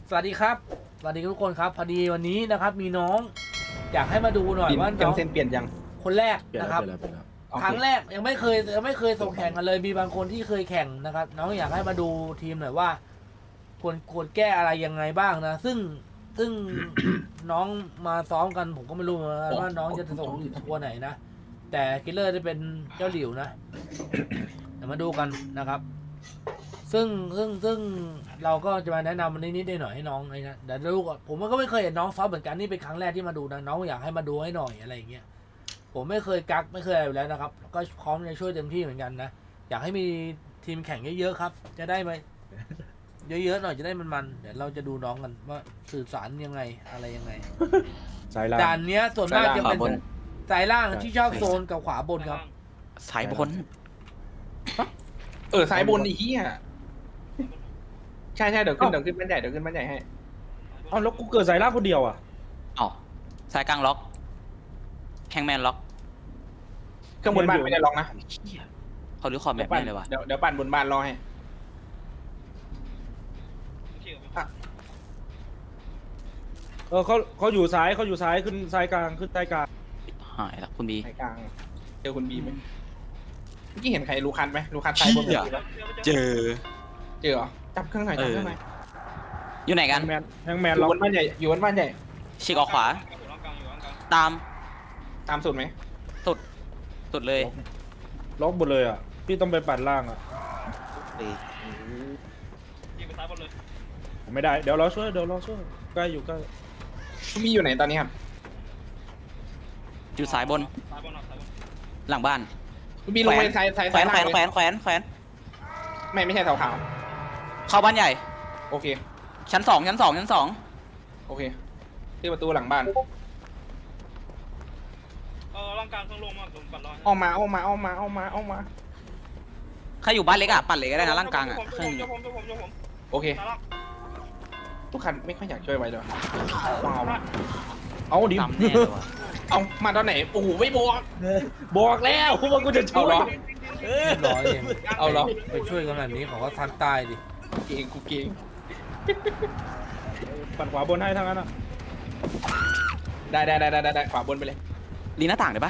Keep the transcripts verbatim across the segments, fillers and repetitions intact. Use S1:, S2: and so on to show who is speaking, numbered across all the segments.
S1: สวัสดีครับสวัสดีทุกคนครับพอดีวันนี้นะครับมีน้องอยากให้มาดูหน่อยว่าน้อง
S2: เส้นเปลี่ยนยัง
S1: คนแรก
S3: เปลี่ยน
S1: นะ
S3: แล้
S1: คว รับ
S3: เปลี่ยนแล้วเปลี่ยนแล้ว
S1: ครั้งแรกยังไม่เคยยังไม่เคยส่งแข่งกันเลยมีบางคนที่เคยแข่งนะครับน้องอยากให้มาดูทีมหน่อยว่าควรควรแก้อะไรยังไงบ้างนะซึ่งซึ่ง น้องมาซ้อมกันผมก็ไม่รู้ว่าน้องจะส่งตัวไหนนะแต่คิลเลอร์จะเป็นเจ้าหลิวนะเดี๋ยวมาดูกันนะครับ ซึ่งซึ่งซึ่งเราก็จะมาแนะนำมันนิดๆหน่อยๆให้น้องไอ้นะเดี๋ยวดูก่อนผมก็ไม่เคยเห็นน้องซ้อมเหมือนกันนี่เป็นครั้งแรกที่มาดูนะน้องอยากให้มาดูให้หน่อยอะไรอย่างเงี้ยผมไม่เคยกักไม่เคยอะไรอยู่แล้วนะครับก็พร้อมจะช่วยเต็มที่เหมือนกันนะอยากให้มีทีมแข่งเยอะๆครับ จะได้ไหมเยอะๆหน่อยจะได้มันๆเดี๋ยวเราจะดูน้องกันว่าสื่อสารยังไงอะไรยังไง
S3: สายล่าง
S1: ด่านเนี้ยส่วนมากจะเป็น
S4: ขวาบน
S1: สายล่างที่ชอบโซนกับขวาบนครับ
S4: สายบน
S2: เออสายบนไอ้เหี้ยใช่ใช่เดี๋ยวขึ้นเดี๋ยวขึ้นบ้านใหญ่เดี๋ยวขึ้นบ้านใหญ่ให้
S3: เอ้าแล้วกูเกิดสายล่างคนเดียวอ่ะ
S4: อ๋อสายกลางล็อกแฮงแมนล็อก
S2: เครื่องบนบ้านไม่ได้ล็อกนะ
S4: เขารื้อคอมแมป
S2: ปั่น
S4: ได้เลยว่ะ
S2: เดี๋ยวเดี๋ยวปั่นบนบ้านรอให้
S3: เออเขาเขาอยู่ซ้ายเขาอยู่ซ้ายขึ้นซ้ายกลางขึ้นใต้กลาง
S4: หายละคุณบี
S2: สายกลางเจอคุณบีไหมเมื่อกี้เห็นใครลูคันไหมลูคันสายบน
S4: เหี้ย เจอ
S2: เจอเหรอจับเครื่องหน่อยจับเครื่องหน่อย
S4: อยู่ไหน
S3: แฮ
S4: กัน
S3: งแมนแฮงแม
S2: อน
S3: ล็
S2: ยู่
S3: อก
S2: บนบ้านใหญ่อยู่บนบ้านใหญ่
S4: ฉีกออกขวา ตาม
S2: ตามสุดไหม
S4: สุด สุดเลย
S3: ล็อกหมดเลยอ่ะพี่ต้องไปปัดล่างอ่ะไม่ได้เดี๋ยวเราช่วยเดี๋ยวเราช่วยใกล้อยู่ใกล้
S2: คุณบีอยู่ไหนตอนนี้ครับ
S4: อยู่สายบน หลังบ้าน
S2: คุณบีลงไปสายสาย
S4: แขว
S2: สาย
S4: น
S2: ล่า
S4: แขว
S2: ง
S4: นแขวนแขวนแขวน
S2: ไม่ไม่ใช่เสาขาว
S4: เข้าบ้านใหญ่
S2: โอเค
S4: ชั้นสองชั้นสองชั้นสอง
S2: โอเคที่ประตูหลังบ้าน
S5: เออร่างกลางเครื่องลงมาผมปัดรอ
S2: ออกมาออกมาออกมาออกมาออกมา
S4: ใครอยู่บ้านเล็กอ่ะ ปั่นเล็กก็ได้นะร่างกลางอ่ะ
S5: ผม
S4: เครื่อง
S5: จะผมจะผมจะผม
S2: โอเค
S5: ตาลัก
S2: ทุกคันไม่ค่อยอยากช่วยไว้เลยว้าว
S3: เอาดิ
S4: ตำแน่เลยว่ะ
S2: เอามาตอนไหนโอ้โหไม่บอก
S3: บอกแล้วว่ากูจะช่
S2: เอา
S3: วย
S2: เหรอ
S3: เออ
S1: เรียบร้อยเอง
S2: เอาเหรอ
S1: ไปช่วยกันแบบนี้เขาก็ทันตายดิ
S2: เก่งกูเก่ง
S3: ปัดขวาบนให้ทั้งนั้นอ่ะ
S2: ได้ได้ได้ได้ได้ขวาบนไปเลย
S4: รีหน้าต่างได้ปะ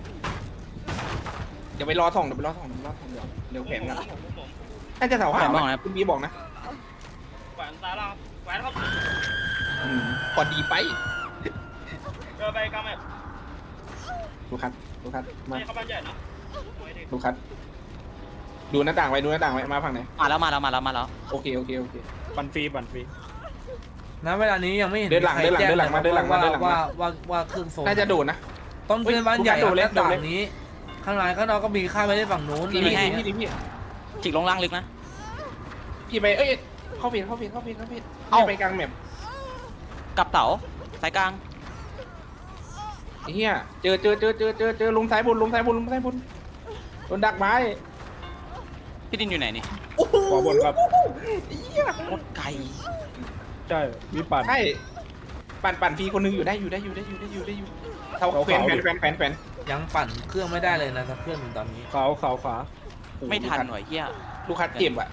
S2: เดี๋ยวไปรอส่องเดี๋ยวไปรอส่องเดี๋ยวไปรอส่องเดี๋ยวเดี๋ยวแขวนกัน
S5: ผมผมผม
S2: น่าจะเสาขาวนะคุณบีบอกนะ
S5: แขวนตาลักแขวนครับ
S2: อืมพอดีไป
S5: เดินไปกลางแมป
S2: ดูคัดดูคัดมา
S5: ไม่เข้าบ้านใหญ่นะไม่ดี
S2: ดูคัดดูหน้าต่างไว้ดูหน้าต่างไว้มาฝั่งไหน
S4: มาแล้วมาแล้วมาแล้วมาแล้ว
S2: โอเคโอเคโอเค
S3: ปั่นฟรีปั่นฟรี
S1: ณเวลานี้ยังไม่เห็น
S2: เดินหลัง
S1: ใคร
S2: เดินหลัง
S1: แจ้
S2: เดินหลังมาเดินหลังมา
S1: ว่า
S2: เดินหลังมา
S1: ว่าว่าว่าเครื่องโซน
S2: น่าจะโดดนะ
S1: ต้นเป็นบ้านใหญ่
S2: เฮ้ย
S1: หน้า
S2: โดดเล็
S1: ต่าก ง
S2: โดดเล็ก
S1: นี้ ข้างในข้างนอกก็มีข้ามไปได้ฝั่งนู้น
S2: พี่
S1: อะไร
S2: พี่
S1: อย่าง
S2: พี่
S1: เงี้ย
S2: พี่พี่
S4: ฉีกลงล่างลึกนะ
S2: พี่ไปเอ้ยเข้าผิดเข้าผิดเข้าผิดเข้าผิด
S4: เอ้า
S2: ไปกลางแมป
S4: กับเต๋าสายกลาง
S2: ไอ้เหี้ยเจอเจอเจอเจอเจอเจอลงซ้ายบนลงซ้ายบนลงซ้ายบนโดนดักไม้
S4: พี่ดินอยู่ไหนนี่
S3: ขวาบนครับ
S4: โคตรไกล
S3: ใช่มีปั่น
S2: ใช่ปั่นปั่นฟรีคนหนึงอยู่ได้อยู่ได้อยู่ได้อยู่ได้อยู่ได้อยู่เท่า
S3: เขา
S2: แขวน
S3: เขา
S2: แขวนแขวนแขวนแขวน
S1: ยังปั่นเครื่องไม่ได้เลยนะสักเครื่องหนึ่งตอนนี้
S3: ขาวขาวขวา
S4: ไม่ทันหน่อยเฮีย
S2: ลูกค้าเจ็บอ่ะ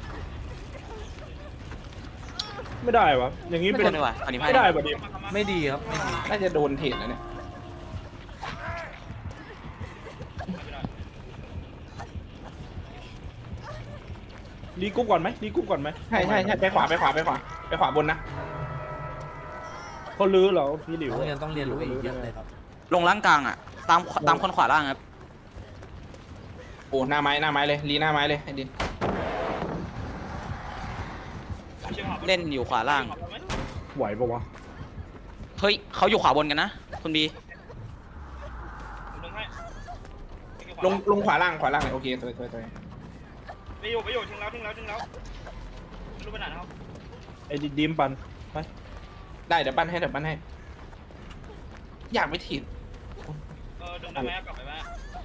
S3: ไม่ได้วะอย่างนี้
S4: ไม่
S3: เป็น
S4: ทันเลยว่ะตอนนี้
S3: ไม่ได้ป่ะดิ
S1: ไม่ดีครับไม่ดี
S2: น่าจะโดนเทรดแล้วเนี่ย
S3: รีกรุ๊ปก่อนไหมรีกรุ๊ปก่อนไหม
S2: ใช่ใช่ใช่ไปขวาไปขวาไปขวาไปขวาบนนะ
S3: เขาลื้อเหรอพี่หลิว
S1: น้องยังต้องเรียนรู้อีกเยอะเลยครับ
S4: ลงล่างกลางอ่ะ ตามตามคนขวาล่างครับ
S2: โอ้หน้าไม้หน้าไม้เลยรีหน้าไม้เลยไอ้ดิน
S4: เล่นอยู่ขวาล่าง
S3: ไหวปะวะ
S4: เฮ้ยเขาอยู่ขวาบนกันนะ คุณบี
S5: ลงให้
S2: ลงลงขวาล่างขวาล่างเลยโอเคสวยสวยสวย
S5: ไปอยู่ไปอยู่ทิ้งแล้วทิ้งแล้วทิ้งแล้วไม่รู้ไปไหนนะครับ
S3: ไอ้ดิมปั่นไป
S2: ได้เดี๋ยวปั้นให้เดี๋ยวปั้นให้ อยากไปถีบ
S5: เออดึงได้ไหมกลับไปไหม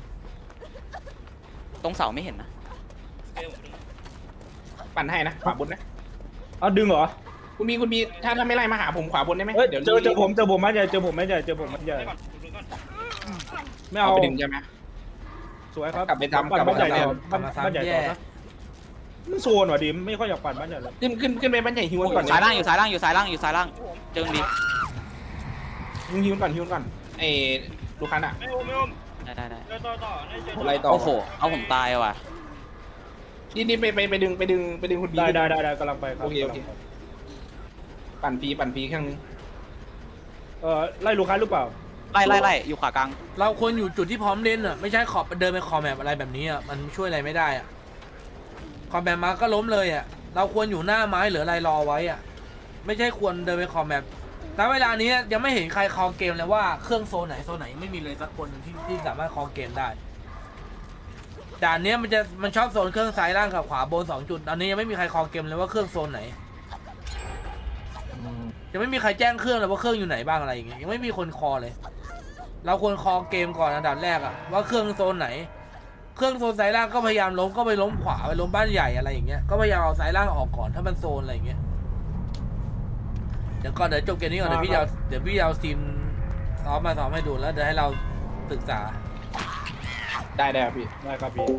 S4: ตรงเสาไม่เห็นนะ
S5: เอ้ยผมดึง
S2: ปั้นให้นะขวาบนนะ
S3: เอาดึงเหรอ
S2: คุณมีคุณมีถ้าถ้าไม่ไล่มาหาผมขวาบนได้ไหม
S3: เฮ้ย
S2: เดี๋ยว
S3: เจอเจอผมเจอผมมันใหญ่เจอผมมันใหญ่เจอผมมันใหญ่
S5: ได้ก่อนดึงก่อน
S3: ไม่
S2: เอา
S3: เอา
S2: ไปดึงใช่ไหม
S3: สวยครับ
S2: กลับไปทำ
S3: ปั่น
S2: กลับไป
S3: บ้านใหญ่
S2: ทำ
S3: ต่อบ้านบ้านใหญ่ต่อนะมันโซนว่ะดิมไม่ค่อยอยากปั่นบ้านใหญ่เลย
S2: ขึ้นขึ้นขึ้นไปบ้านใหญ่ฮิวมันก่อน
S4: สายล่างอยู่สายล่างอยู่สายล่างอยู่สายล่างเจอดี
S2: ฮิวฮิวก่อนฮิวก่อนไอ้ลูกค้าน่ะ
S5: ไม่อุ้มไม่อุ้ม
S4: ได้ได้ได้
S5: เดินต่อต่อได้เจอ
S2: อะไรต่อ
S4: โอ้โหเอาผมตายว่ะ
S2: นี่นี่ไปไปไปดึงไปดึงไปดึงคุณบี
S3: ได้ได้ได้ได้กำลังไปครับ
S2: โอเคโอเคปั่นฟรีปั่นฟรีเครื่องนึง
S3: เออไล่ลูกค้าหรือเปล่า
S4: ไล่ไล่ไล่อยู่ขวากลาง
S1: เราควรอยู่จุดที่พร้อมเล่นอ่ะไม่ใช่ขอบเดินไปคอแมปอะไรแบบนี้อ่ะมันช่วยอะไรไม่ได้อ่ะคอแมปมาก็ล้มเลยอ่ะเราควรอยู่หน้าไม้หรืออะไรรอไว้อ่ะไม่ใช่ควรเดินไปคอแมปณเวลานี้ยังไม่เห็นใครคอเกมเลยว่าเครื่องโซนไหนโซนไหนไม่มีเลยสักคนที่ที่สามารถคอเกมได้ด่านนี้มันจะมันชอบโซนเครื่องซ้ายล่างกับขวาบนสองจุดตอนนี้ยังไม่มีใครคอเกมเลยว่าเครื่องโซนไหนยังไม่มีใครแจ้งเครื่องเลยว่าเครื่องอยู่ไหนบ้างอะไรอย่างเงี้ยยังไม่มีคนคอเลย เราควรคอเกมก่อนอันดับแรกอะว่าเครื่องโซนไหน เครื่องโซนซ้ายล่างก็พยายามล้มก็ไปล้มขวาไปล้มบ้านใหญ่อะไรอย่างเงี้ยก็พยายามเอาซ้ายล่างออกก่อนถ้ามันโซนอะไรอย่างเงี้ยเดี๋ยวก่อนเดี๋ยวจบเกมนี้ก่อนเดี๋ยวพี่จะเอาเดี๋ยวพี่จะเอาทีมซ้อมมาซ้อมให้ดูแล้วเดี๋ยวให้เราศึกษา
S2: ได้ได้ครับพี่
S3: ได้ครับพี่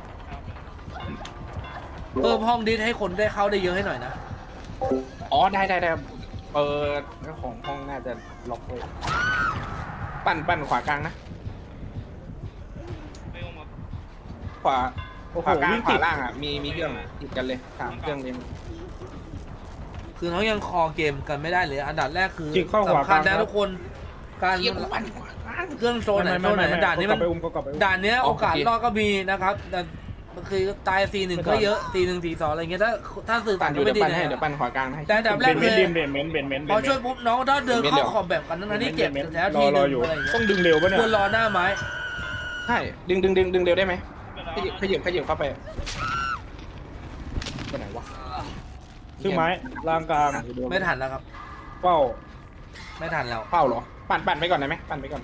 S1: เพิ่มห้องดิสให้คนได้เข้าได้เยอะให้หน่อยนะ
S2: อ๋อได้ได้ได้เปิดเจ้าของห้องน่าจะล็อกเลยปั่นปั่นขวากลางนะ
S5: ไม่อุ้มครับ
S2: ขวา
S3: โอ้โห
S2: ขวากลาง
S3: วิ่ง
S2: ข
S3: ติ
S2: วา
S3: ด
S2: ล่างอ่ะมีมีเครื่องอะติดกันเลยสามเครื่องเลย
S1: คือน้องยังคอเกมกันไม่ได้เลย อันดับแรกคือ
S3: จิกเข้าขวา
S1: สำคัญ
S3: กลางครับ
S1: นะทุกคนการ
S2: เทียบปั่นขวากลาง
S1: เครื่องโซนไหน
S3: ไม่
S1: โซ
S3: ไม่
S1: นไหน
S3: ไม่ไม่
S1: ด่านนี้มัน
S3: เขกลับไปอุ้มเขากลับไปอุ้ม
S1: ด่านเนี้ย
S2: อ๋อ
S1: โอกาส
S2: โอเค
S1: รอดก็มีนะครับแต่คือตายซีหนึ่ง
S3: ไม่
S1: ก็
S3: ทัน
S1: เยอะซีหนึ่งซีสองอะไรเงี้ยถ้าถ้าสื่อ
S2: ปั่
S1: สาน ร
S2: อยู่
S1: ไม่
S2: เดี๋ยว
S1: ดี
S2: ปั่นให้
S1: นะ
S2: เดี๋ยวปั่นขวากลางให้
S1: แต่อันดับแร
S3: เบ
S1: ก
S3: น
S1: เล
S3: เบน
S1: ย
S3: เบนเบนเบนเบนเบน
S1: พอช่วยปุ๊บน้องถ้าเดินเข้าขอบแบบกันนั้นนี่เจ็บ
S3: เบน
S1: แล้ว
S3: ร
S1: ที
S3: อ
S1: ห
S3: ร
S1: นึ
S3: อง อยู่
S1: อะไรเงี้ย
S3: ต้องดึงเร็วปะเนี่ย
S1: ควรรอหน้าไม้
S2: ใช่ดึงดึงดึงดึงเร็วได้ไหม
S5: เดิน
S2: ขยับขยับขยับเข้าไปไปไหนวะ
S3: ซึ่งไม้ล่างกลาง
S1: ไม่ทันแล้วครับ
S3: เป้า
S1: ไม่ทันแล้ว
S2: เป้าเหรอปั่นปั่นไปก่อนได้ไหมปั่นไปก่อน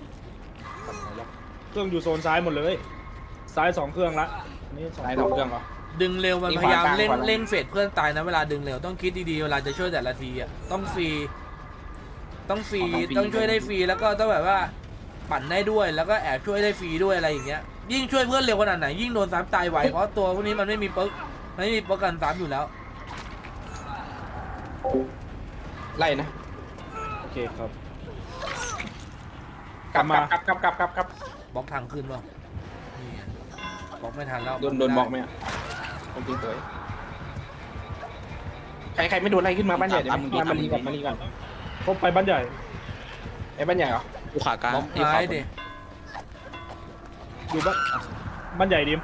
S3: เครื่องอยู่โซนซ้ายหมดเลยซ้ายสองเครื่องละอันนี่สอง
S2: ได้สองเครื่องเหรอ
S1: ดึงเร็วมัน
S2: นี่
S1: พยายาม
S2: ขวากลาง
S1: เร่ง
S2: ขวาล่าง
S1: เร่งเฟดเพื่อนตายนะเวลาดึงเร็วต้องคิดดีๆเวลาจะช่วยแต่ละทีอ่ะต้องฟรีต้องฟรีต้องช่วยได้ฟรีแล้วก็ต้องแบบว่าปั่นได้ด้วยแล้วก็แอบช่วยได้ฟรีด้วยอะไรอย่างเงี้ยยิ่งช่วยเพื่อนเร็วขนาดไหนยิ่งโดนซ้ำตายไวเพราะตัวพวกนี้มันไม่มีเปิ๊กมันไม่มีเปิ๊กกันซ้ำอยู่แล้ว
S2: ไล่นะ
S3: โอเคครับ
S2: กลับ
S3: กลับ
S2: กลั
S3: มา
S2: บกลับกลับกลับกลับ
S1: บล็อกทางขึ้นเปล่านี่ไงบล็อกไม่ทันแล้ว
S2: โดนโดนบอกไหมอ่ะคนจริงสวยใครใครไม่โดนไล่ขึ้นมาบ้านใหญ่เดี๋ยวมามาลีก่อนมาลีก่อน
S3: เขาไปบ้านใหญ่
S2: ไอ้บ้านใหญ่เหรอ
S4: อยู่ขวากลาง
S1: บล็อก
S4: ที่ขวา
S1: ท้าย
S4: บน
S1: ดิ
S3: อยู่บ้านบ้านใหญ่ดิม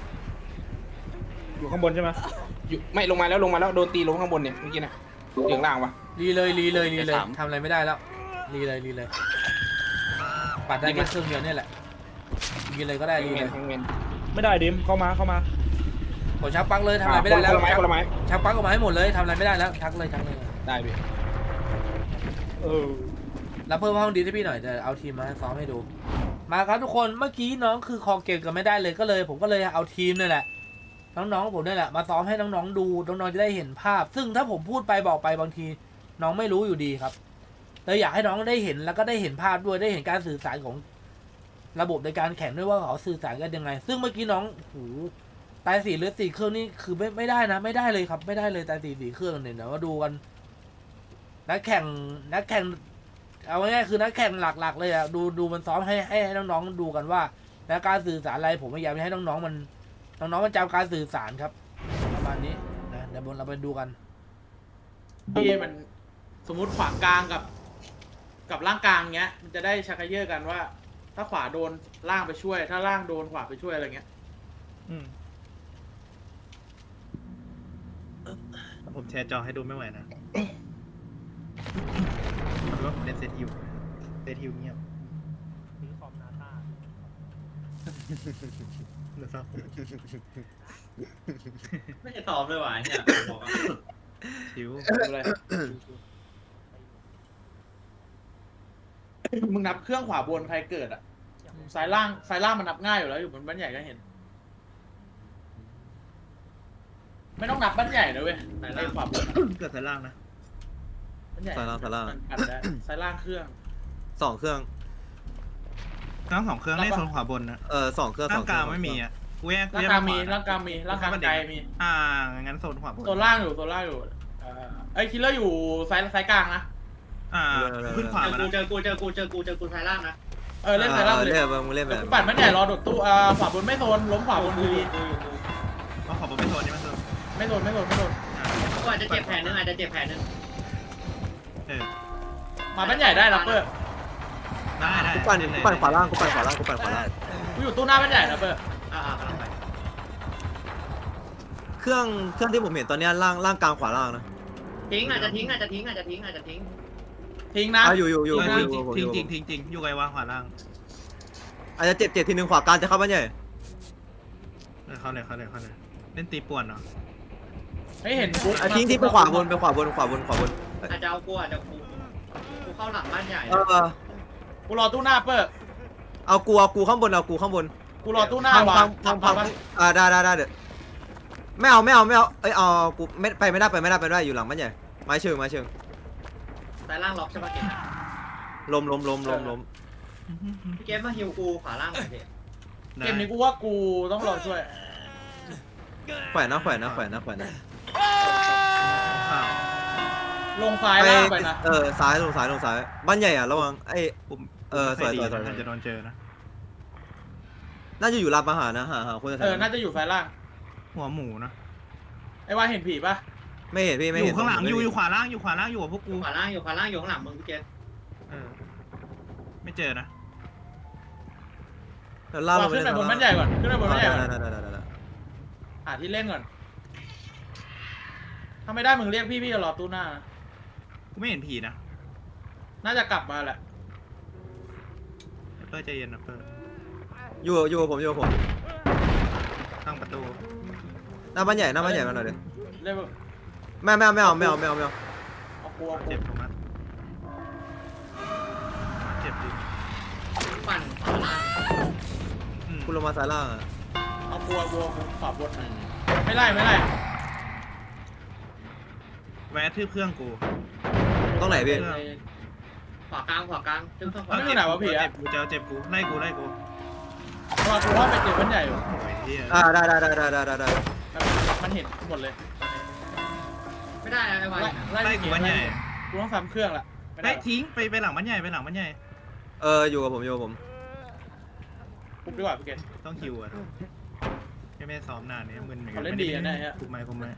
S3: อยู่ข้างบนใช่ไหม
S2: อยู่ไม่ลงมาแล้วลงมาแล้วโดนตีลงข้างบนเนี่ยเมื่อกี้นะเหลืองล่างวะ
S1: รีเลยรีเลยรีเลยทำอะไรไม่ได้แล้วรีเลยรีเลยปัดได้แค่เครื่องเดียวเนี่ยแหละรีเลยก็ได้รี
S2: เง
S1: เล
S2: น
S1: ย
S2: เงน
S3: ไม่ได้ดิมเข้ามาเข้ามา
S1: กดชักปลั๊กเลยทำอะไรไม่ได้แล้ว
S2: คนละไม้คนละไม้
S1: ชักปลั๊กออกมาให้หมดเลยทำอะไรไม่ได้แล้วชักเลยชักเลย
S2: ได้พี่
S3: เออ
S1: แล้วเพิ่มห้องดีให้พี่หน่อยจะเอาทีมมาซ้อมให้ดู มาครับทุกคนเมื่อกี้น้องคือคอเกมกันไม่ได้เลยก็เลย ผมก็เลยเอาทีมนี่แหละน้องๆผมนี่แหละมาซ้อมให้น้องๆดูน้องๆจะได้เห็นภาพ ซึ่งถ้าผมพูดไปบอกไปบางที น้องไม่รู้อยู่ดีครับเลยอยากให้น้องได้เห็นแล้วก็ได้เห็นภาพด้วยได้เห็นการสื่อสารของระบบในการแข่งด้วยว่าเขาสื่อสารกันยังไง ซึ่งเมื่อกี้น้องหูตายสี่หรือสี่เครื่องนี่คือไม่ไม่ได้นะ ไม่ได้เลยครับ ไม่ได้เลยตายสี่สี่เครื่องเนี่ยเดี๋ยวมาดูกัน นักแข่งนักแข่งเอาง่ายๆคือนักแข่งหลักๆเลยอะดูดูมันซ้อมให้ให้ให้น้องๆดูกันว่าแล้วการสื่อสารอะไรผมพยายามให้น้องๆมันน้องๆมันจำการสื่อสารครับ ประมาณนี้นะเดี๋ยวเราไปดูกัน
S6: ที่มันสมมุติขวากลางกับ กับล่างกลางเงี้ย มันจะได้ชักเยอะกันว่า ถ้าขวาโดนล่างไปช่วย ถ้าล่างโดนขวาไปช่วยอะไรเงี้ย
S3: อืม
S7: ผมแชร์จอให้ดูไม่ไหวนะมันว่าผมเล่นเซตฮิวเซตฮิวเงียบเดี๋ยวซ้อม
S6: ไม่ได้ตอบเลยว่ะเนี่ยบอกอ่ะ
S7: ชิว
S6: อะไรมึงนับเครื่องขวาบนใครเกิดอ่ะสายล่างสายล่างมันนับง่ายอยู่แล้วอยู่บนบ้านใหญ่ก็เห็น ไม่ต้องนับบ้านใหญ่นะเว้ยสายล่างขวาบนอะ
S7: เกิดสายล่างนะ
S6: บ้านใหญ่
S8: สายล่างสายล่าง
S6: มันอัดได้สายล่างเครื่อง
S8: สองเครื่อง
S7: ทั้งสองเครื่องเล่นโซนขวาบนนะ
S8: เออสองเครื่องส
S7: ร่า
S8: อง งเค
S7: ก
S8: รื่
S7: ลา
S8: อง ง
S7: ไม่มีอ่ะ กูกูแยกกู
S6: ร่าง
S7: แยก
S6: กลาง
S7: ขว
S6: มีร่างกลางมีร่างกลางไกลมี
S7: อ่างั้นโซนขวาบน
S6: โซนล่างอยู่โซนล่างอยู่เอ่อไอ้คิลเลอร์อยู่ซ้ายซ้ายกลางนะ
S7: อ่าขึ้นขวามา
S8: กู
S7: นะ
S8: เจอกูเจอกูเจอกูเจอกูซ้ายล่างนะ
S6: เออเล่นซ้ายล่างไปเลย
S9: เล่นแบบมึงเล่นแบบ
S6: ปั่นมันใหญ่รอโดดตู้อ่าขวาบนไม่โซนล้มขวาบนดี
S7: เอาขวาบนไม่โซนนี่มันโซน
S6: ไม่โซนไม่โซนไม่โซน
S7: อ่า
S8: กูอาจจะเจ็บแผลนึงอาจจะเจ็บแผลนึง
S7: เออ
S6: มามันใหญ่ได้รับเปอร์
S7: ได้ได้
S9: กูปั่นกูปั่นขวาล่างกูปั่นขวาล่างกูปั่นขวาล่าง
S6: กูอยู่ตู้หน้ามันใหญ่รับเปอร์
S8: อ่าอ่ากำลังไป
S9: เครื่องเครื่องที่ผมเห็นตอนเนี้ยล่างล่างกลางขวาล่างนะ
S8: ทิ้งอาจจะทิ้งอาจจะทิ้งอาจจะทิ้งอาจจะทิ้ง
S6: ทิ้งนะ
S9: อ่ะอยู่อยู่อยู่
S7: เออ
S9: อยู่
S7: ทิ้ง
S9: อยู่
S7: ทิ้งทิ้งทิ้งทิ้งอยู่ไกลวางขวาล่าง
S9: อาจจะเจ็บเจ็บทีนึงขวากลางจะเข้าบ้านใหญ่
S7: เออเข้าเลยเข้าเลยเข้าเลยเล่นตีป่วนเนาะ
S6: ไม่เห็นกู
S9: อ่ะทิ้งที่ไปขวาบนไปขวาบนขวาบนขวาบน
S8: อาจจะเอากูอาจจะกูกูเข้าหลังบ้านใหญ่
S9: เออ
S6: กูรอตู้หน้าเปอร์
S9: เอากูเอากูข้างบนเอากูข้างบน
S6: กูรอตู้หน้า
S9: พัง
S6: วา
S9: พั
S6: ง
S9: งพัง
S6: พั
S9: พั
S6: ง
S9: งอ่าได้ได้ได้เดี๋ยวไม่เอาไม่เอาไม่เอาเอ้ยเอากูไม่ไปไม่ได้ไปไม่ได้ไปไม่ได้อยู่หลังบ้านใหญ่ไม้เชิงไม้เชิง
S8: ซ้ายล่างล็อกใช่ปะเกม
S9: ล้มล้มล้มล้มล้ม
S8: พี่เกมมาฮิวกูขวาล่างหน่อยพี่
S6: เกมนี้กูว่ากูต้องรอช่วย
S9: แขวนนะแขวนนะแขวนนะแขวนนะ
S7: อ้าว
S6: ลงซ้ายล่างไปนะ
S9: เออซ้ายลงซ้ายลงซ้ายบ้านใหญ่อ่ะระวังไอ้
S7: ปุ่ม
S9: เออสวยสวยสวย
S7: น่าจะโดนเจอนะ
S9: น่าจะอยู่ร้านอาหารนะหาหาคนจะ
S6: เออน่าจะอยู่ซ้ายล่าง
S7: หัวหมูนะ
S6: ไอ้ว่าเห็นผีปะ
S9: ไม่เห็นพี่ไม่
S7: อ
S9: เห็น
S7: ยู่ข้างหลังอยู่อยู่ขวาล่างอยู่ขวาล่างอยู่กับพวกกู
S8: ขวาล่างอยู่ขวาล่างอยู่ข้างหลังมึงพี่เกม
S7: เออไม่เจอนะ
S9: เดี๋ยวล่ากล
S6: วาง
S9: งไป
S6: ขึ้น
S9: เล่
S6: ไป
S9: น
S6: บนบ้านใหญ่ก่อนขึ้นไปบนบ้านใหญ่ก่อน
S9: ได้ได้ได้ได้ได้
S6: หาที่เล่นก่อนถ้าไม่ได้มึงเรียกพี่พี่จะรอตู้หน้านะ
S7: กูไม่เห็นผีนะ
S6: น่าจะกลับมาแหละ
S7: เปอร์ใจเย็นนะเปอร์
S9: อยู่อยู่กับผมอยู่กับผม
S7: ตั้งประตู
S9: หน้าบ้านใหญ่หน้าบ้านใหญ่มาหน่อยดิ
S6: เรียก
S9: ไม่ไม่เอาไม่เอาไม่เอาไม่เอาไม่เอา
S6: เอากลัวกลั
S7: เจ็
S6: ว
S7: บตรงนั้นเจ็บดิ
S8: ปั่นขวาล่าง
S7: อืม
S9: คุณลงมาซ้ายล่างอ่ะ
S6: เอากลัวกลัวขวาบนไม่ไล่ไม่ไล่
S7: แวะทืบเครื่องกู
S9: ตรงไหนพี่
S8: ขวากลางขวากลางซึ่งต้องขวา
S6: ไม่อยู่ไหนวะผี
S7: เจ็
S6: อะ
S7: บกูเจอเจ็บกูไล่กูไล่กู
S6: รอกูว่าไปเจอบ้านใหญ่อยู่
S7: โอ้ยเฮีย
S9: อ่าได้ได้ได้ได้ได้ได้ได้
S6: มันเห็นหมดเลย
S8: ไม่ได้นะไอ้วาย
S6: ไล่
S7: ไล่
S6: ไล่
S7: กูบ้านใหญ่
S6: กูต้องซ้ำเครื่องละไม่
S7: ไป
S6: ได้
S7: ทิ้งไปไปหลังบ้านใหญ่ไปหลังบ้านใหญ่
S9: เอออยู่กับผมอยู่กับผม
S6: ปุ๊บดีกว่าพี่เกศ
S7: ต้องคิวอ่ะไม่ไม่ซ้อมนานเนี่ยมึนเหมือนกั
S6: เขาเล่นดีอะเนี่ยฮะ
S7: คุมไหมคุมไหม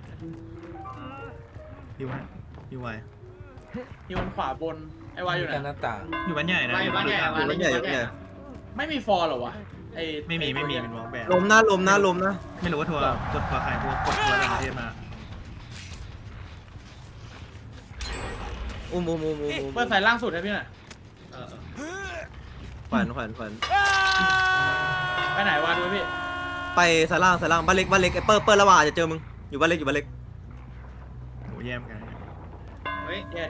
S7: อยู่ฮะอยู่ไว
S6: ที่มันขวาบนไอ้วายอยู่ไหน
S1: กันหน้าต่าง
S7: อยู่บ้านใหญ่นะ
S8: วายอยู่บ้านใหญ่วาย
S9: บ้านใหญ่อยู่บ้านใหญ่
S6: ไม่มีฟอร์เหรอวะไอ้
S7: ไม่มีไม่มีเป็นวอลแบน
S9: ลมนะลมนะลมนะ
S7: ไม่รู้ว่าทัวร์กดทัวร์ใครทัวร์กดทัวร์ต่างประเทศมา
S9: อุ้มอุ้มอุ้มอุ้มอุ้ม
S6: เปิดสายล่างสุดให้พี่หน่อย
S8: เออ
S9: ขวัญขวัญขวัญ
S6: ไปไหนวะดูพี่
S9: ไปซ้ายล่างซ้ายล่างบ้านเล็กบ้านเล็กไอ้เปิ้ลเปิ้ลระหว่างอาจจะเจอมึงอยู่บ้านเล็กอยู่บ้านเล็ก
S7: โหแย่มกัน
S8: เฮ้ย
S6: แย่ดิ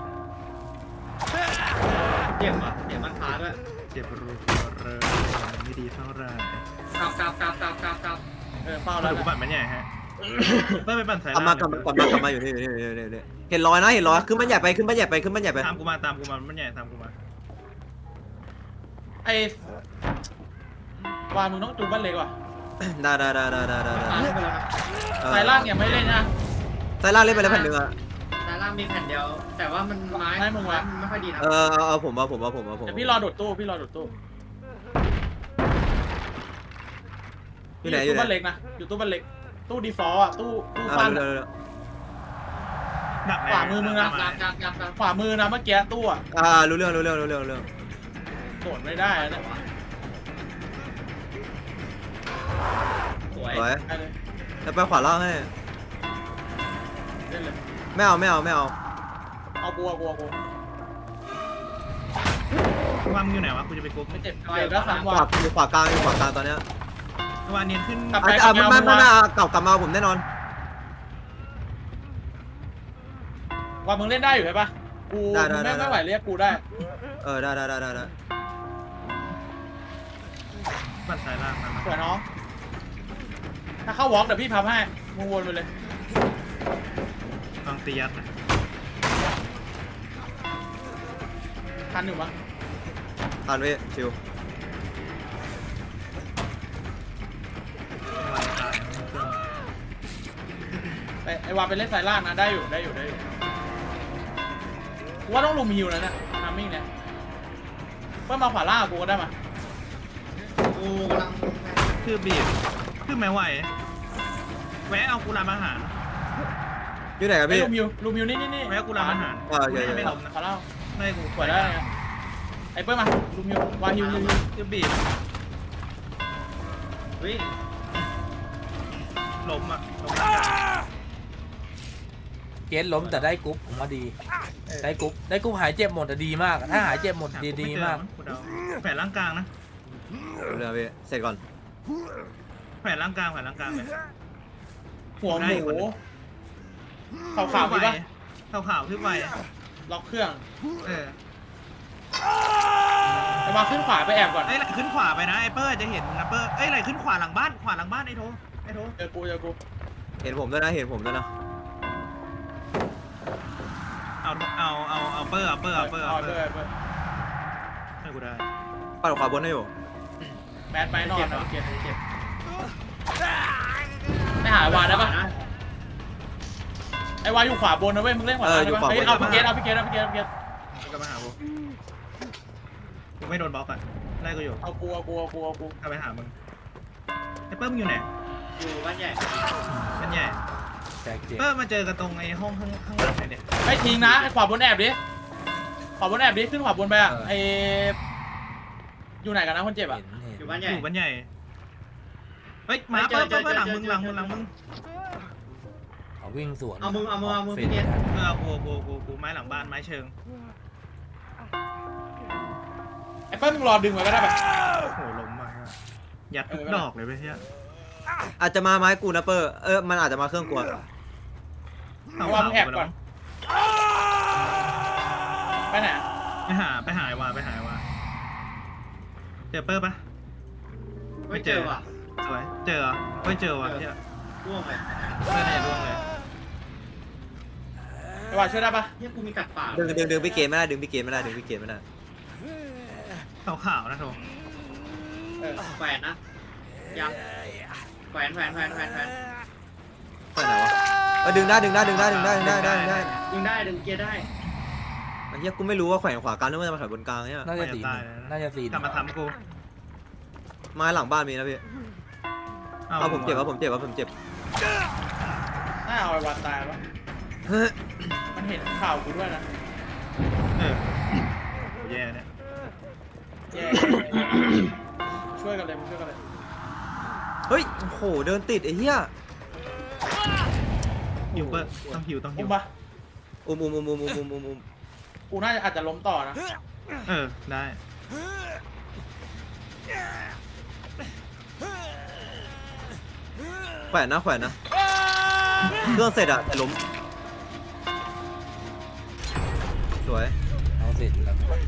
S8: เจ็บอ่ะเจ็บมันขาด้วย
S7: เจ็บรูเรอมันไม่ดีเท่าไหร่
S8: กลับกลับกลับกลับกลับกลับ
S6: เออเฝ้า
S7: เรา
S6: แล้ว
S7: ดู
S6: นะ
S7: ปั่นมันใหญ่ฮะเปิ้ลไปปั่นสาย
S9: กลับมากลับมากลับมากลับมาอยู่นี่อยู่นี่อยู่นี่อยู่นี่เห็นรอยนะเห็นรอยขึ้นบ้านใหญ่ไปขึ้นบ้านใหญ่ไปขึ้นบ้านใหญ่ไป
S7: ตามกูมาตามกูมามันใหญ่ตามกูมา
S6: ไอ้วายมึงต้องจูบบ้านเล็กว่ะ
S9: ได้ได้ได้ได้ได้ได้
S8: ขา
S9: ได้
S8: ไปแล้วนะ
S9: เออ
S6: สายล่างยังไม่เล่นนะ
S9: ซ้ายล่างเล่นไปแล้วแผ่นหนึ่งอ่ะ
S8: ซ้ายล่างมีแผ่นเดียว แต่ว่ามันไม้
S6: ให้มึงวะ
S8: ไม่ค่อยดีนะ
S9: เออเอาเอาผมเอาผมเอาผมเอาผม
S6: เดี๋ยวพี่รอโดดตู้พี่รอโดดตู้
S9: อยู่ไหนอยู่
S6: ตู้
S9: ไหน
S6: บ้านเล็กนะอยู่ตู้บ้านเล็กตู้ดีฟอลต์อ่ะตู้ตู้
S9: อ่า
S6: สั้น
S9: เร็
S6: อะ
S9: วเร็วเร็ว
S7: ดัก
S6: ขวามือมึง
S8: กลั
S6: นะ
S8: บกลับกลับกลับกลับ
S6: ขวามือนะเมื่อกี้ตู้อ่ะ
S9: อ่ารู้เรื่องรู้เรื่องรู้เรื่องรู้เรื่อง
S6: โดดไม่ได้อะเนี่ย
S8: สวย
S9: สวย
S6: ไปเลย
S9: แล้วไปขวาล่างให้
S6: เล่นเลย
S9: ไม่เอาไม่เอาไม่เอา
S6: เอากลัวกลัวกลัว
S7: วางอยู่ไหนวะกูจะไปกรุ๊ป
S6: ไม่เจ็บเจ็บแล้วสาม
S9: ข
S6: วั
S9: วาน อยู่ขวากลางอยู่ขวากลางตอนเนี้ยว
S7: างเนียนขึ้น
S6: กลับไป
S9: อ่ะ
S6: กลั
S9: อ่ะ
S6: บ
S9: ไม่
S6: ไป
S9: ไม่
S6: เอา
S9: ไม่
S6: มา
S9: ไม่กลับกลับมาผมแน่นอน
S6: ว่ามึงเล่นได้อยู่ใช่ปะกู
S9: ได้ได้
S6: มึง
S9: ได้
S6: ไม่ไม่ไหวเรียกกูได้
S9: เออได้ได้ได้ได้ได้
S7: ปั่นสายล่างมา
S6: สวยน้องถ้าเข้าวอล์กเดี๋ยวพี่พับให้มึงวนไปเลย
S7: ลองตียัดนะ
S6: ทันอยู่ปะ
S9: ทานไว้ชิว
S6: ไปไอวาไปเล่นสายล่างนะได้อยู่ได้อยู่ได้อยู่กูว่าต้องลุมฮิวแล้วเนี่ยทามมิ่งเนี่ยเพื่อมาขวาล่างกับกูก็ได้มา
S8: กูกำลัง
S7: คือบีบคือไม่ไหวแวะเอากูรามอาหาร
S9: อยู่ไหนครับ
S6: ไอ้
S9: พี่
S6: ลุมฮิวลุมฮิวนี่นี่นี่
S7: แวะกูรามอาหาร
S9: เออเดี๋ยว
S7: ไม่
S9: เดี๋
S7: ไม่
S9: ยว
S7: ล้มนะ
S6: ขวาล่าง
S7: ไม่กู
S6: ขวาได้ไงไอ้เปิ้ลมาลุมฮิววาฮิวฮิวฮิว
S7: คือบีบ
S8: เฮ้ย
S7: ล้มอ่ะล้ม
S1: เกสล้มแต่ได้กรุ๊ปผมว่าดี ได้กรุ๊ปได้กรุ๊ปหายเจ็บหมดอะดีมากอะถ้าหายเจ็บหมดดีดีมาก
S7: กูเดาแผลร่างกลางนะ
S9: เดี๋ยวพี่เสร็จก่อน
S7: แผลร่างกลางแผลร่างกลางเลย
S6: หัวหมูขาวขาวๆ
S7: ไว
S6: มีปะ
S7: ขาวขาวขึ้นไว
S6: ล็อกเครื่อง
S7: เออ
S6: ไอ้วาขึ้นขวาไปแอบก่อน
S7: ไอ้ยไหลขึ้นขวาไปนะไอ้เปอร์จะเห็นนะเปอร์เอ้ยไหลขึ้นขวาหลังบ้านขวาหลังบ้านไอ้โทไอ้โท
S6: เจอกูเจอกู
S9: เห็นผมด้วยนะเห็นผมด้วยนะ
S7: เอาเอาเอาเอาเปอร์เอาเปอร์เอาเปอร์
S6: เอา
S7: เอา
S6: เป
S7: เป
S6: อ
S7: อ
S6: ร์
S7: ร์
S6: เปอร์
S7: ให้กูได้
S9: ปัดขวาบนให้อยู่
S6: แมนไปนอนนะเกียร์เจ็บไม่หายวาได้ปะไอ้วาอยู่ขวาบนนะเว้ยมึงเล่นขวาล่างได้ปะเฮ้ยเอาพี่เกตเอาพี่เกตเอาพี่เกตเอาพี่เกต
S7: กูก็มาหากูกูไม่โดนบล็อกอ่ะไล่กูอยู่
S6: เอากูเอากูเอากูเอากู
S7: กลับไปหามึงไอ้เปอร์มึงอยู่ไหน
S8: อยู่บ้านใหญ่
S7: มันใหญ่
S1: แต่เจ็บ
S7: เปอร์มาเจอกันตรงไอ้ห้องข้างข้างหลังไหนเนี่ย
S6: ไอ้ทิ้งนะไอ้ขวาบนแอบดิขวาบนแอบดิขึ้นขวาบนไปอ่ะไอ้อยู่ไหนกันนะคนเจ็บอ่ะ
S1: เห็นเห็น
S8: อยู่บ้านให
S7: อ
S8: ญ่
S7: ยู่บ้านใหญ่เฮ้ยมาเปอร์เปอร์เปอร์หลังมึงหลังมึงหลังมึง
S1: เขาวิ่งสวน
S8: เอามึงเอามึงเอามึง
S1: ฟ
S8: พี่เกต
S7: เออกูกูกูกูไม้หลังบ้านไม้เชิง
S6: ไอ้เปิ้ลมึงรอดึงไว้ก็ได้ปะ
S7: โอ้โหล้มมากอะยัดทุกดอกเลยไปเฮีย
S9: อาจจะมาไม้กูนะเปอร์เออมันอาจจะมาเครื่องกลัว
S6: ไอ้วามึงแอบก่อนไปไหนอะ
S7: ไปหาไปหาไอ้วาไปหาไอ้วาเจอเปอร์ปะ
S8: ไม่เจอว่ะ
S7: สวยเจอเหรอไม่เจอว่ะเฮีย
S8: ร่วงเลย
S7: ไม่น่าจะร่วงเลย
S6: ไอ้วาช่วยได้ปะ
S8: เนี่ยกูมีกัดปาก
S9: ดึงดึงดึงพี่เกมไม่ได้ดึงพี่เกมไม่ได้ดึงพี่เกมไม่ได้
S7: ขาวขาวๆนะโถ
S6: เออ
S8: แขวนนะยังแขวนแขวนแขวนแขวนแขวน
S9: ไปไหนวะเออดึงได้ดึงได้ดึงได้ดึงได้ดึงได้ดึงได้ดึงได้
S8: ดึงได้ดึงเกียร์ได้
S9: ไอ้เหี้ยกูไม่รู้ว่าแขวนขวากลางนึกว่าจะมาแขวนบนกลางเนี่ย
S1: น่าจะสีน่าจะสี
S7: กลับมาทำกู
S9: ไม้หลังบ้านมีนะพี่เอาผมเจ็บว่าผมเจ็บว่าผมเจ็บ
S6: น่าเอาไอ้วาตายปะมันเห็นข่าวกูด้วยนะ
S7: เออโหแย่เนี่ย
S6: แย่ช่วยกันเลยมึงช่วยกันเลย
S9: เฮ้ยโอ้โหเดินติดไอ้เหี้ย
S7: หิวเปอร์ต้องหิวต้องหิ
S6: อุ้
S7: ว
S6: มปะ
S9: อุ้มอุ้มอุ้มอุ้มอุ้มอุ้มอุ้ม
S6: กูน่าจะอาจจะล้มต่อนะ
S7: เออได้
S9: แขวนนะแขวนนะเครื่องเสร็จอะแต่ล้มสวย
S1: เอาเสร็จแล้วเครื่อง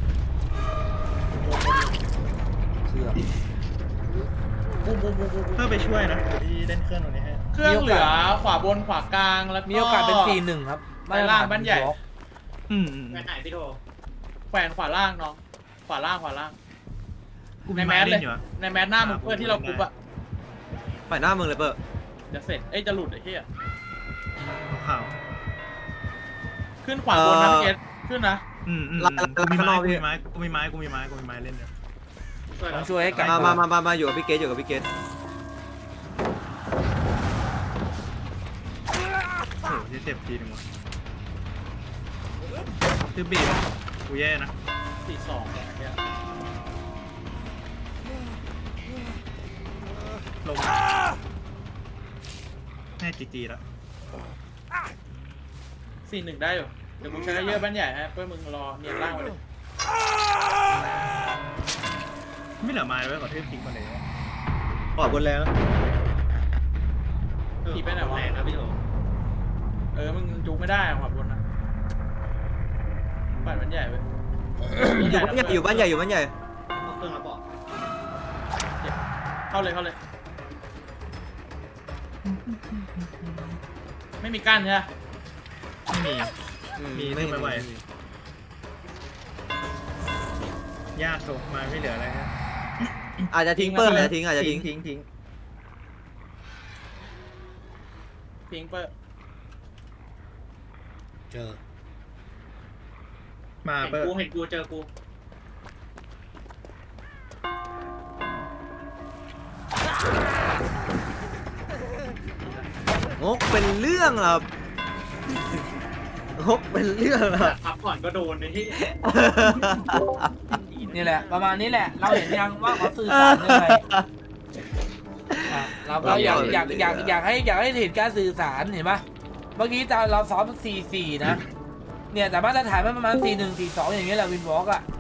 S6: บูมบูมบูมบูม
S7: เพื่อไปช่วยนะที่เล่นเครื่องตรงนี้ให้
S6: เครื่องเหลือขวาบนขวากลางแล้ว
S1: มีโอกาสเป็นสี่หนึ่งครับ
S6: ไปล่างบ้านใหญ่
S7: อืมอืม
S8: แขวนไหนพี่โท
S6: แขวนขวาล่างน้องขวาล่างขวาล่าง
S7: กู
S6: ใน
S7: มี
S6: แม
S7: ไม้
S6: สเล
S7: เล่
S6: ย
S7: นอยู่อะ
S6: ในแมสหน้ามึงเพื่อที่เรากรุ๊ปอะ
S9: ไปหน้ามึงเลยเปอร์
S6: จะเสร็จเอ้ยจะหลุดไอ้เหี้ย
S7: ขาว
S6: ขึ้นขวาบนนะพี่เกตขึ้นนะ
S7: ๆอืมอืมอืมกูมีไม้กูมีไม้กูมีไม้กูมีไม้กูมีไม้เล่นเนี่ย
S1: ต้องช่วยให้กลับ
S9: มามามามามาอยู่กับพี่เกตอยู่กับพี่เกต
S7: โอ้โหเจ็บทีนึงว่ะคือบีบกูแย่นะ
S6: สี่สองเนี่ยไอ้เหี้ย
S7: ลงแน่จีจีแล้ว
S6: สี่หนึ่งได้อยู่เดี๋ยวกูใช้เยอะบ้านใหญ่ฮะเพื่อมึงรอเนียนล่างไว้เลย
S7: ไม่เหลือไม้ไว้ก่อนที่ทิ้งมาเลย
S9: ขวาบนแล้ว
S6: ขี่ไปไหนวะ
S8: แรงนะพี่โท
S6: เออมึงจุกไม่ได้อะขวาบนนะบ้านบ้านใหญ่ไป
S9: อยู่บ้านใหญ่อยู่บ้านใหญ่อยู่บ้านใหญ่
S8: เอาเครื่องแล้วบอก
S6: เข้าเลยเข้าเลย ไม่มีกั้นใช่ไหม
S7: ไม่มี
S9: อื
S7: มีไม่ไหว ยากตกมาไม่เหลืออะไรฮะ
S9: อาจจะทิ้งเปอร์อาจจะทิ้งอาจจะทิ้ง
S7: ทิ้งทิ้ง
S6: พิงเปอร์
S1: เจอ
S7: มา
S8: เห็น
S7: เปิด
S8: กูเห็นกูเจอกู
S9: งกเป็นเรื่องครับงกเป็นเรื่องครับ
S8: พักผ่อนก็โดนในที่
S1: นี่แหละ ประมาณนี้แหละ เราเห็นยังว่าเขาสื่อสารยังไงอ่ะเราเราอยากอยากอยากอยากให้อยากให้เห็นการสื่อสารเห็นปะเมื่อกี้ตอนเราซ้อมสี่สี่นะเนี่ยแต่มาตรฐานมันประมาณสี่หนึ่งสี่สองอย่างเงี้ยแหละวินวอล์กอ่ะ